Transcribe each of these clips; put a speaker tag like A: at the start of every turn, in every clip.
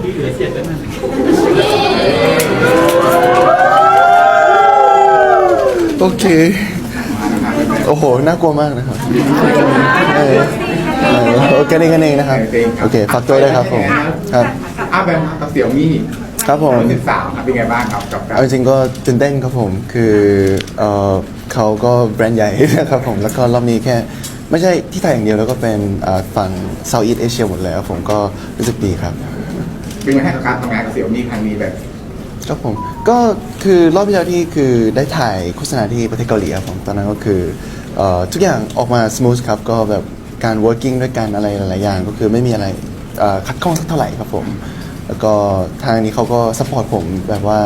A: ที่เหลือ7แล้วนั่น
B: โอเคโอ้โหน่ากลัวมากนะครับโอเคกันเองนะครับโอเคฝากตัวด้วยครับผมครับ
C: แบมกับเสี่ยวมี่
B: ครับผม
C: 13เป็นไงบ้างครับกับ
B: เอาจริงก็ตื่นเต้นครับผมคือเขาก็แบรนด์ใหญ่นะครับผมแล้วก็รอบนี้แค่ไม่ใช่ที่ไทยอย่างเดียวแล้วก็เป็นฝั่ง Southeast Asia หมดเลยครับผมก็รู้สึกดีครับ
C: เป็นไงให้กับการทำงานกับเสี่ยวมี่ครั้งนี้แบบ
B: ครับผมก็คือรอบที่แล้วที่คือได้ถ่ายโฆษณาที่ประเทศเกาหลีครับผมตอนนั้นก็คือทุกอย่างออกมาสมูทครับก็แบบการ working ด้วยกันอะไรหลายๆอย่างก็คือไม่มีอะไรขัดข้องสักเท่าไหร่ครับผมแล้วก็ทางนี้เขาก็ซัพพอร์ตผมแบบว่า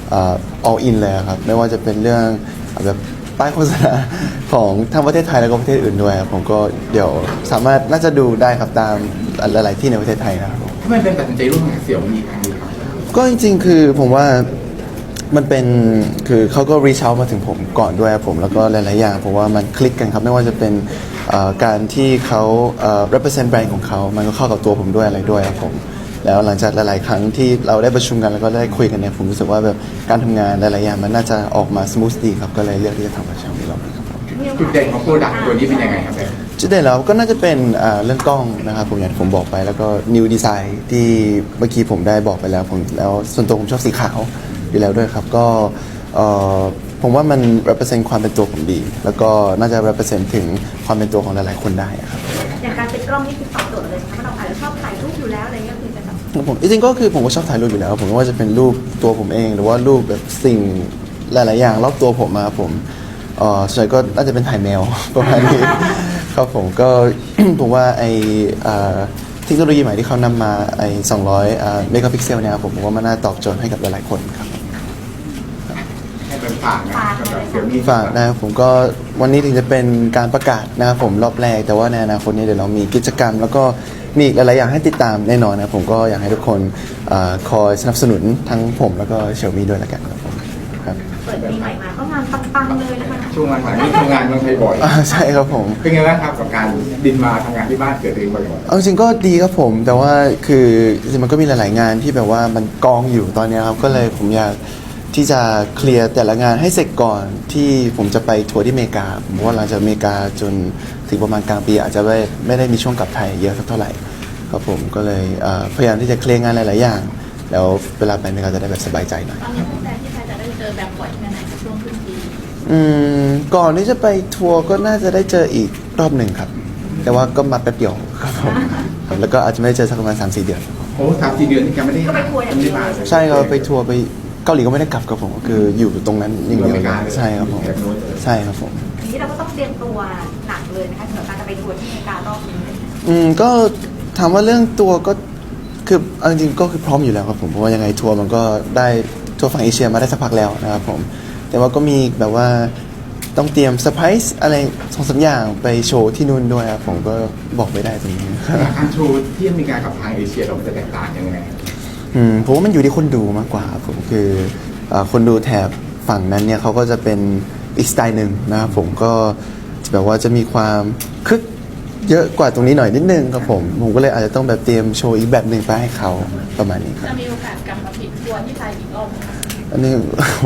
B: all in เลยครับไม่ว่าจะเป็นเรื่องแบบป้ายโฆษณาของทั้งประเทศไทยแล้วก็ประเทศอื่นด้วยครับผมก็เดี๋ยวสามารถน่าจะดูได้ครับตามหลายๆที่ในประเทศไทยนะครับ
C: ทำไมเป็นตัดสินใจร่วมงานกับเสี่ยวมี่ครั้งนี้ครับ
B: ก็จริงๆคือผมว่ามันเป็นคือเขาก็ reach out มาถึงผมก่อนด้วยผมแล้วก็หลายๆอย่างผมว่ามันคลิกกันครับไม่ว่าจะเป็นการที่เขา represent แบรนด์ของเขามันก็เข้ากับตัวผมด้วยอะไรด้วยครับผมแล้วหลังจากหลายๆครั้งที่เราได้ประชุมกันแล้วก็ได้คุยกันเนี่ยผมรู้สึกว่าแบบการทำงานหลายๆอย่างมันน่าจะออกมา smooth ดีครับก็เลยเลือกที่จะทำกับช่างนี้รอบนี้ครับ
C: จุดเด่นของโปรดักต์ตัวนี้เป็นยังไงครับ
B: จุดเด่นแล้วก็น่าจะเป็นเรื่องกล้องนะครับผมอย่างที่ผมบอกไปแล้วก็ new design ที่เมื่อกี้ผมได้บอกไปแล้วผมแล้วส่วนตัวผมชอบสีขาวอยู่แล้วด้วยครับก็ผมว่ามัน represent ความเป็นตัวผมดีแล้วก็น่าจะ represent ถึงความเป็นตัวของหลายๆคนได้ครับ
D: อย่างการติดกล้องนี่คือตอบโจทย์เลยใช่ไหมเราอาจจะชอบถ่ายรูปอยู่แล้วอะไรเงี้ยคือจะแบบ
B: ผมจริงๆก็คือผมก็ชอบถ่ายรูปอยู่แล้วผมไม่ว่าจะเป็นรูปตัวผมเองหรือว่ารูปแบบสิ่งหลายๆอย่างรอบตัวผมมาผมส่วนใหญ่ก็น่าจะเป็นถ่ายแมวประมาณนี้ครับผมก็ ผมว่าไอเทคโนโลยีใหม่ที่เขานำมาไอ200เมกะพิกเซลเนี่ยผมว่ามันน่าตอบโจทย์ให้กับหลายๆคนครับ
C: ให้เป็นฝากนะเสี่ยวมี่
B: ฝากนะครับผมก็วันนี้ถึงจะเป็นการประกาศนะครับผมรอบแรกแต่ว่าในอนาคตนี้เดี๋ยวเรามีกิจกรรมแล้วก็มีอีกหลายๆอย่างให้ติดตามแน่นอนนะผมก็อยากให้ทุกคนคอยสนับสนุนทั้งผมแล้วก็เฉียวมี่ด้วยละกันครับผมครับ
D: เปิดปีใหม่มาก็งานปังๆเลยนะคะ
C: ช่วงหลังๆนี้ทำงานเมืองไทยบ่อย
B: ใช่ครับผม
C: เป็นไงบ้างครับกับการบินมาทำงานที่บ้านเกิดเองบ่อย
B: ๆเอาจริงก็ดีครับผมแต่ว่าคือจริงมันก็มีหลายๆงานที่แบบว่ามันกองอยู่ตอนนี้ครับก็เลยผมอยากที่จะเคลียร์แต่ละงานให้เสร็จก่อนที่ผมจะไปทัวร์ที่อเมริกาผมว่าหลังจากอเมริกาจนถึงประมาณกลางปีอาจจะไม่ได้มีช่วงกลับไทยเยอะสักเท่าไหร่ครับผมก็เลยพยายามที่จะเคลียร์งานหลายๆอย่างแล้วเวลาไปอเมริกาจะได้แบบสบายใจหน่อย
D: ตอนนี้ตั้งแต่ที่ไทยจะได้เจอแบบบ่อยแค่ไหนช่วงครึ่งปี
B: ก่อนที่จะไปทัวร์ก็น่าจะได้เจออีกรอบหนึ่งครับแต่ว่าก็มาแป๊บเดียวครับผมแล้วก็อาจจะไม่ได้เจอสักประมาณ 3-4 เดือน
C: โอ้3-4 เดือนที่แกไม่ได้
D: ก็ไปทัวร์อย่างเดียว
B: ใช่ครับไปทัวร์ไปเกาหลีก็ไม่ได้กลับครับผมก็คืออยู่ตรงนั้นอย่างเดียวใช่ครับผมใช่ครับผม
D: ทีนี้เราก็ต้องเตรียมตัวหนักเลยนะคะสำหรับการจะไปทัวร์ที่อเมริการอบนี้
B: ก็ถามว่าเรื่องตัวก็คือจริงๆก็คือพร้อมอยู่แล้วครับผมเพราะว่ายังไงทัวร์มันก็ได้ทัวร์ฝั่งเอเชียมาได้สักพักแล้วนะครับผมแต่ว่าก็มีแบบว่าต้องเตรียมเซอร์ไพรส์อะไร2-3 อย่างไปโชว์ที่นู่นด้วยครับผมก็บอกไม่ได้ตรงนี้
C: การโชว์ที่อเมริกากับทางเอเชียเราจะแตกต่างยังไง
B: ผมว่ามันอยู่ที่คนดูมากกว่าผมคือคนดูแถบฝั่งนั้นเนี่ยเขาก็จะเป็นอีกสไตล์หนึ่งนะครับผมก็แบบว่าจะมีความคึกเยอะกว่าตรงนี้หน่อยนิดนึงครับผมก็เลยอาจจะต้องแบบเตรียมโชว์อีกแบบหนึ่งไปให้เขาประมาณนี้ครับ
D: จะมีโอกาสกลับมาผิดทัวร์ที่ไทยอีกรอบไหม
B: อันนี้โห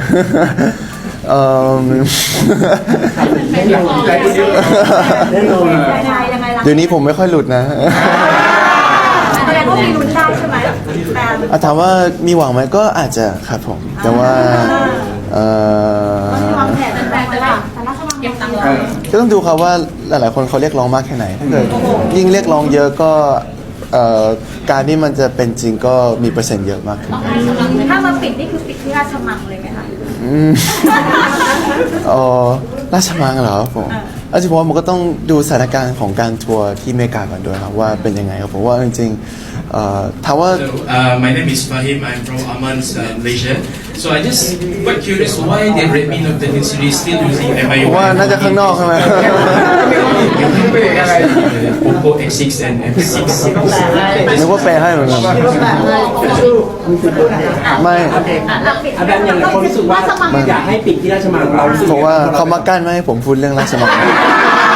B: เดี๋ยวนี้ผมไม่ค่อยหลุดนะ
D: แสดงว่ามีลุ้นได้ใช่ไหม
B: ถามว่ามีหวังไหมก็อาจจะครับผมแต่ว่าว
D: างแผนเป็นแบบอะไรเก็บตังค์
B: ก็ต้องดูครับว่าหลายๆคนเขาเรียกร้องมากแค่ไหนถ้าเกิดยิ่งเรียกร้องเยอะก็การที่มันจะเป็นจริงก็มีเปอร์เซ็นต์เยอะมากขึ้น
D: ถ้ามาปิดนี่คือปิดที่ราชมังเลยไหมคะ
B: ราชมังเหรอผมจริงๆผมก็ต้องดูสถานการณ์ของการทัวร์ที่อเมริกาก่อนด้วยครับว่าเป็นยังไงครับผมว่าจริงๆถามว่า
E: My name is Fahim. I'm from Amman, Malaysia. So I just quite curious why the Redmi Note 13 series still using MIUI.
B: ว่าน่าจะข้างนอกใช่ไหม
E: Oppo X6 and M6.
B: นึกว่าแปลให้เหมือนกันไม่
F: อาจารย์อย่างคนรู้สึกว่าอยากให้ปิดที่ราชมังเราเพ
B: ราะว่าเขามากั้นไม่ให้ผมพูดเรื่องราชมัง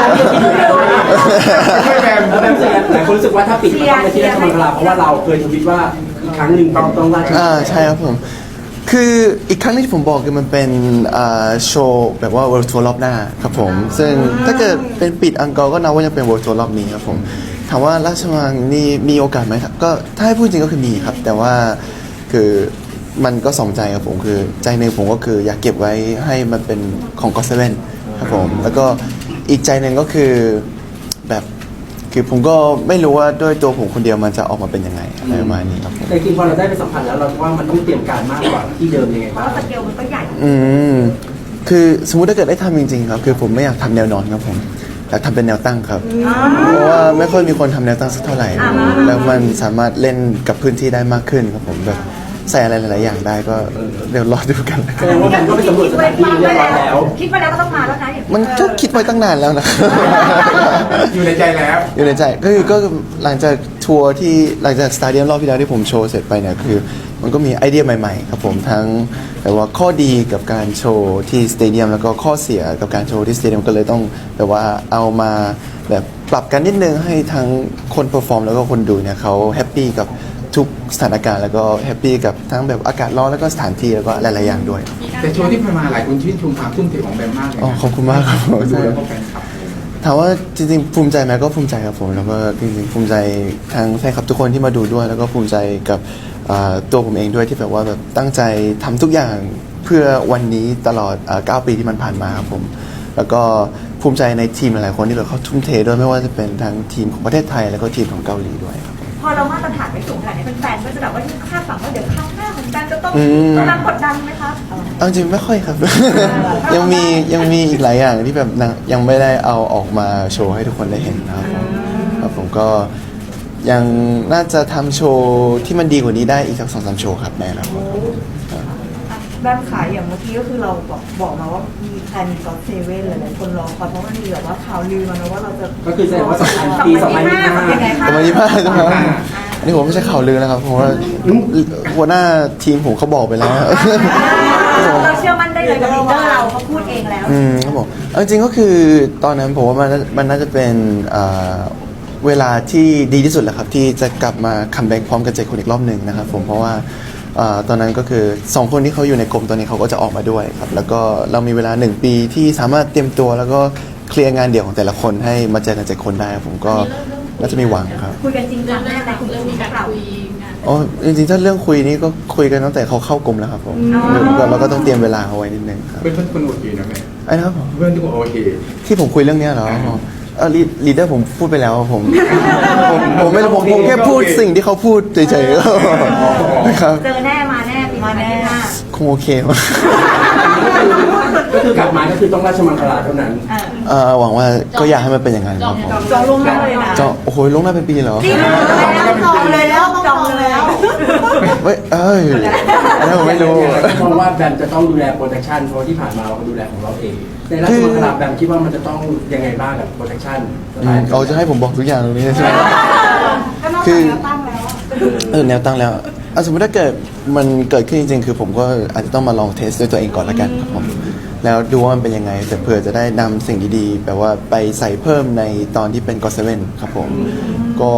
C: ช่วยแบม
F: แล้วแบบเสียหลายคนรู้สึกว่าถ้าปิดก็ต้องไปที่ราชมังคลาเพราะว่าเราเคยทวิตว่าอีกครั้งหนึ่งต้องราชมังคลา
B: ใช่ครับผม คืออีกครั้งที่ผมบอกคือมันเป็นโชว์แบบว่า World Tour รอบหน้าครับผม ซึ่งถ้าเกิดเป็นปิดอังกอร์ก็นับว่ายังเป็น World Tour รอบนี้ครับผม ถามว่าราชมังนี่มีโอกาสไหมครับก็ถ้าให้พูดจริงก็คือมีครับ แต่ว่าคือมันก็สองใจครับผมคือใจหนึ่งผมก็คืออยากเก็บไว้ให้มันเป็นของก็เซเว่นครับผมแล้วก็อีกใจหนึ่งก็คือแบบคือผมก็ไม่รู้ว่าด้วยตัวผมคนเดียวมันจะออกมาเป็นยังไงอะไรประมาณนี้ครับผม
F: แต่จริงๆพอเราได้ไปสัมผัสแล้วเราว่ามันต้องเตรียมการมากกว่าที่เดิมยังไง
D: เพราะ
F: บ้าง
D: ว่าสเกลมันก็ใหญ่
B: คือสมมุติถ้าเกิดได้ทำจริงๆครับคือผมไม่อยากทำแนวนอนครับผมอยากทำเป็นแนวตั้งครับเพราะว่าไม่ค่อยมีคนทำแนวตั้งสักเท่าไหร่แล้วมันสามารถเล่นกับพื้นที่ได้มากขึ้นครับผมแบบใส่อะไรหลายๆอย่างได้ก็เดี๋ยวรอดูกันแล้ว
F: แสดงว่ามันก็ไปสำรวจสถานที่เรียบร้อยแล้ว
D: คิดไปแล้วก็ต้องมาแล้วนะอย่าง
B: มันก็คิดไว้ตั้งนานแล้วนะ
C: อยู่ในใจแล้ว
B: อยู่ในใจก็หลังจากทัวร์ที่หลังจากสตาเดียมรอบที่แล้วที่ผมโชว์เสร็จไปเนี่ยคือ มันก็มีไอเดียใหม่ๆครับผมทั้งแบบว่าข้อดีกับการโชว์ที่สเตเดียมแล้วก็ข้อเสียกับการโชว์ที่สเตเดียมก็เลยต้องแบบว่าเอามาแบบปรับกันนิดนึงให้ทั้งคนเปอร์ฟอร์มแล้วก็คนดูเนี่ยเขาแฮปปี้กับทุกสถานการณ์แล้วก็แฮปปี้กับทั้งแบบอากาศร้อนแล้วก็สถานที่แล้วก็หลายๆอย่างด้วย
C: แต่โชว์ที่ผ่านมาหลายคนชื่นชมความทุ่มเทของแบมมากเลย
B: อ๋อ
C: นะ
B: ขอบคุณมากครับผม
C: ดูแล้วก็แฟนคลับ
B: ถามว่าจริงๆภูมิใจไหมก็ภูมิใจครับผมแล้วก็จริงๆภูมิใจทั้งแฟนคลับทุกคนที่มาดูด้วย แล้วก็ภูมิใจกับตัวผมเองด้วยที่แบบว่าแบบตั้งใจทำทุกอย่างเพื่อวันนี้ตลอด9 ปีที่มันผ่านมาครับผมแล้วก็ภูมิใจในทีมหลายๆคนที่แบบเขาทุ่มเทด้วยไม่ว่าจะเป็นทั้งทีมของประเทศไทยแล้วก็ทีมของเกาหลีด้วยครับ
D: พอเรามาตรฐานไม่สูงขนาดนี้แฟนๆก็จะแบบว่าคาดหวังว่าเดี๋ยวครั้งหน้าของแบมจะต้องรับกดดันไหมคะ
B: เอาจริงไม่ค่อยครับ ยังมีอีกหลายอย่างที่แบบยังไม่ได้เอาออกมาโชว์ให้ทุกคนได้เห็นนะครับผมครับผมก็ยังน่าจะทำโชว์ที่มันดีกว่านี้ได้อีกสัก2-3 โชว์ครับแน่นะครับ
A: ด้านขายอย่างเมื่อกี้ก็คือเราบอกมาว่ามีแพลนก็อตเซเว่นหลายๆคนรอคอยเพราะมันมีแบบว่าข่าวลือมานะว่าเราจะ
F: ก็คือแสดงว่าปี 2025
D: ยังไงคะ
B: ประมาณ25ใช่ไหมอันนี้ผมไม่ใช่ข่าวลือนะครับเพราะว่าหัวหน้าทีมผมเขาบอกไปแล้ว
D: เราเชื่อมั่นได้เลยกับลีดเดอร์เราเขาพูดเองแล้ว
B: ครับผมเอาจริงๆก็คือตอนนั้นผมว่ามันน่าจะเป็นเวลาที่ดีที่สุดแหละครับที่จะกลับมาคัมแบ็กพร้อมกับ7 คนอีกรอบหนึ่งนะครับผมเพราะว่าตอนนั้นก็คือ2 คนที่เขาอยู่ในกลุ่มตอนนี้เขาก็จะออกมาด้วยครับแล้วก็เรามีเวลา1 ปีที่สามารถเตรียมตัวแล้วก็เคลียร์งานเดี่ยวของแต่ละคนให้มาเจอกัน7 คนได้ครับผมก็น่าจะมีหวังครับ
D: คุยกันจริงจังแน่ในกลุ่มนี้เรา
B: อ๋อจริงๆถ้าเรื่องคุยนี่ก็คุยกันตั้งแต่เขาเข้ากลุ่มแล้วครับผมเราก็ต้องเตรียมเวลาเอาไว้นิดนึงครับ
C: เพื่อนคนโอเคนะแม่
B: ไอ้นะครับผม
C: เพื่อนทุกคนโอเค
B: ที่ผมคุยเรื่องเนี้ยเหรอลีดเดอร์ผมพูดไปแล้วผมไม่รู้ผมแค่พูดสิ่งที่เขาพูดเฉยๆนะครับ
D: เจอแน่มาแน่ปีมาแน่
B: คงโอเคมั้ง
F: ก็คือกลับมาก็คือต้องราชมังคลาเท่านั้น
B: หวังว่าก็อยากให้มันเป็นอย่างนั้นครับผม
A: จองล่วงหน้าเลยนะ
B: จะโอ้โหลงหน้าเป็นปีเหรอ
A: จองเลยแล้วต้องจองเลยแล้ว
B: เว้ยอันนั้นผมไม่รู้
F: เพราะว่าแบมจะต้องดูแลโปรดักชันเพราะที่ผ่านมาเราก็ดูแลของเราเองในราชมังคลาแบมคิดว่ามันจะต้องยังไงบ้างกับโปรดักชันสไตล์
B: เอาจะให้ผมบอกทุกอย่างตรงนี้ใช่ไหม
A: ก็นอก
B: คื
A: จาก
B: อ
A: แนวตั้งแล้ว
B: แนวตั้งแล้วสมมติถ้าเกิดมันเกิดขึ้นจริงๆ คือผมก็อาจจะต้องมาลองเทสด้วยตัวเองก่อนละกันครับผมแล้วดูว่ามันเป็นยังไงแต่เผื่อจะได้นำสิ่งดีๆแบบว่าไปใส่เพิ่มในตอนที่เป็นก็เซเว่นครับผมก็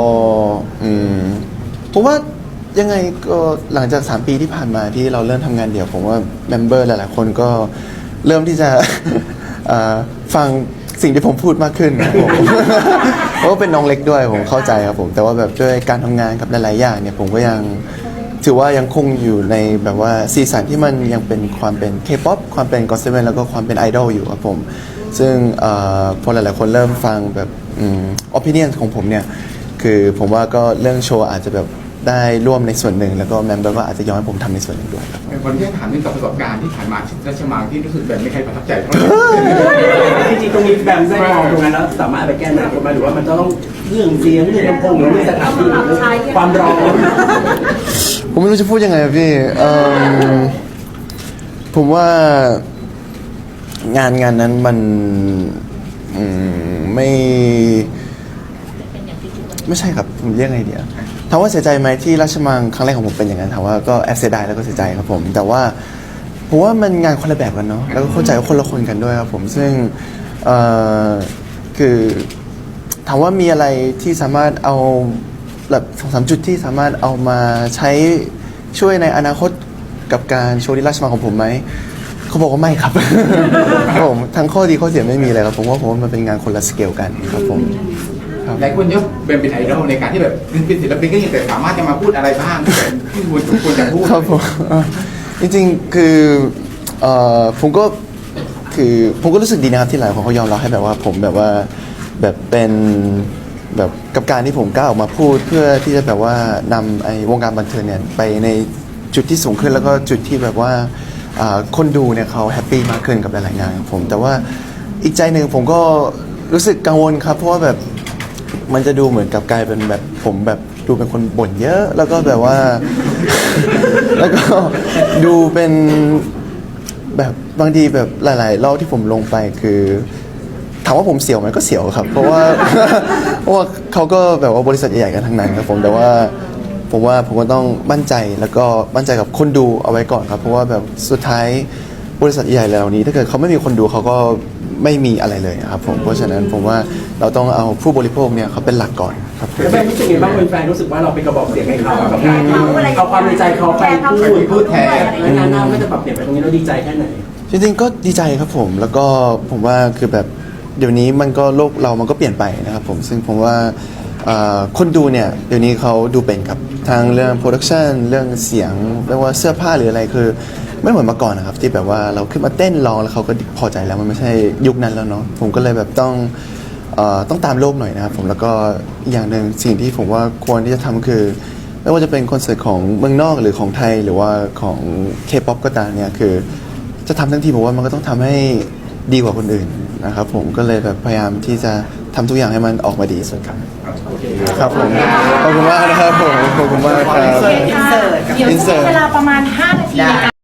B: ผมว่ายังไงก็หลังจาก 3 ปีที่ผ่านมาที่เราเริ่มทำงานเดี่ยวผมว่าเมมเบอร์หลายๆคนก็เริ่มที่จะ ฟังสิ่งที่ผมพูดมากขึ้นครับผม เพราะว่าเป็นน้องเล็กด้วยผมเข้าใจครับผมแต่ว่าแบบด้วยการทำงานกับหลายๆอย่างเนี่ยผมก็ยังถือว่ายังคงอยู่ในแบบว่าซีซั่นที่มันยังเป็นความเป็น K-POP ความเป็นก็อตเซเว่นแล้วก็ความเป็นไอดอลอยู่ครับผมซึ่งพอหลายๆคนเริ่มฟังแบบopinion ของผมเนี่ยคือผมว่าก็เรื่องโชว์อาจจะแบบได้ร่วมในส่วนหนึ่งแล้วก็แมมเบอร์ก็อาจจะย้อนให้ผมทำในส่วนหนึ่งด้วยครับ
C: คนที่ถามเรื่องกับประสบการณ์ที่ผ่านมาราชมังที่รู้สึกแบบไม่ใครประทับใจเท่าไหร่
F: จริงๆตรงนี้แบมได้มองตรงนั้นแล้วสามารถไปแก้ไขกันมาหรือว่ามันจะต้องเรื่องเสียงเรื่องลำโพงหรือเรื่องสถานที่หรือความร้อน
B: ผมไม่รู้จะพูดยังไงอะพี่ผมว่างานนั้นมันไม่ใช่ครับผมเรียกไงเดียวถามว่าเสียใจไหมที่ราชมังครั้งแรกของผมเป็นอย่างนั้นถามว่าก็แอบเสียดายแล้วก็เสียใจครับผมแต่ว่าผมว่ามันงานคนละแบบกันเนาะแล้วก็เข้าใจว่าคนละคนกันด้วยครับผมซึ่งคคือถามว่ามีอะไรที่สามารถเอาแบบ2-3 จุดที่สามารถเอามาใช้ช่วยในอนาคตกับการโชว์ลีลาสมาของผมไหมเขาบอกว่าไม่ครับ ครับผมทั้งข้อดีข้อเสียไม่มีเลยครับผมว่ามันเป็นงานคนละสเกลกันครับผมครับ
C: หลายคนยกเป็นไอดอลในการที่แบบเป็นศิลปินก็ยังแต่สามารถจะมาพูดอะไรบ้างที่ควรจะพูด
B: ครับผมจริงๆคือผมก็รู้สึกดีนะครับที่หลายคนเขายอมรับให้แบบว่าผมแบบว่าแบบเป็นแบบกับการที่ผมกล้าออกมาพูดเพื่อที่จะแบบว่านำไอ้วงการบันเทิงเนี่ยไปในจุดที่สูงขึ้นแล้วก็จุดที่แบบว่าคนดูเนี่ยเขาแฮปปี้มากขึ้นกับหลายๆงานของผมแต่ว่าอีกใจหนึ่งผมก็รู้สึกกังวลครับเพราะว่าแบบมันจะดูเหมือนกับกลายเป็นแบบผมแบบดูเป็นคนบ่นเยอะแล้วก็แบบว่า แล้วก็ดูเป็นแบบบางทีแบบหลายๆรอบที่ผมลงไปคือถามว่าผมเสียวไหมก็เสียวครับ เพราะว่า เพราะว่าเขาก็แบบว่าบริษัทใหญ่ๆกันทั้งนั้นครับผมแต่ว่าผมก็ต้องมั่นใจแล้วก็มั่นใจกับคนดูเอาไว้ก่อนครับเพราะว่าแบบสุดท้ายบริษัทใหญ่เหล่านี้ถ้าเกิดเขาไม่มีคนดูเขาก็ไม่มีอะไรเลยครับผมเพราะฉะนั้นผมว่าเราต้องเอาผู้บริโภคเนี่ยเขาเป็นหลักก่อนครับผม
F: แล้วแฟนรู้สึกไงบ้างแฟนรู้สึกว่าเราเป็นกระบอกเสียงให้เขากับการที่เอาความในใจเขาไปพูดแทนและงานหน้าก็จะปรับเปลี่ยนไปตรงนี้เราดีใจแค่ไหน
B: จริงๆก็ดีใจครับผมแล้วก็ผมว่าคือแบบเดี๋ยวนี้มันก็โลกเรามันก็เปลี่ยนไปนะครับผมซึ่งผมว่าคนดูเนี่ยเดี๋ยวนี้เขาดูเป็นครับทางเรื่องโปรดักชันเรื่องเสียงไม่ว่าเสื้อผ้าหรืออะไรคือไม่เหมือนเมื่อก่อนนะครับที่แบบว่าเราขึ้นมาเต้นร้องแล้วเขาก็พอใจแล้วมันไม่ใช่ยุคนั้นแล้วเนาะผมก็เลยแบบต้องตามโลกหน่อยนะครับผมแล้วก็อย่างหนึ่งสิ่งที่ผมว่าควรที่จะทำคือไม่ว่าจะเป็นคอนเสิร์ตของเมืองนอกหรือของไทยหรือว่าของ K-POP ก็ตามเนี่ยคือจะทำทั้งทีผมว่ามันก็ต้องทำให้ดีกว่าคนอื่นนะครับผมก็เลยแบบพยายามที่จะทำทุกอย่างให้มันออกมาดีที่สุดครับครับผมขอบคุณมากนะครับผมขอบคุณมากครับ
A: อินเสิร์ตกับ
B: insert
D: เวลาประมาณ5 นาทีในการ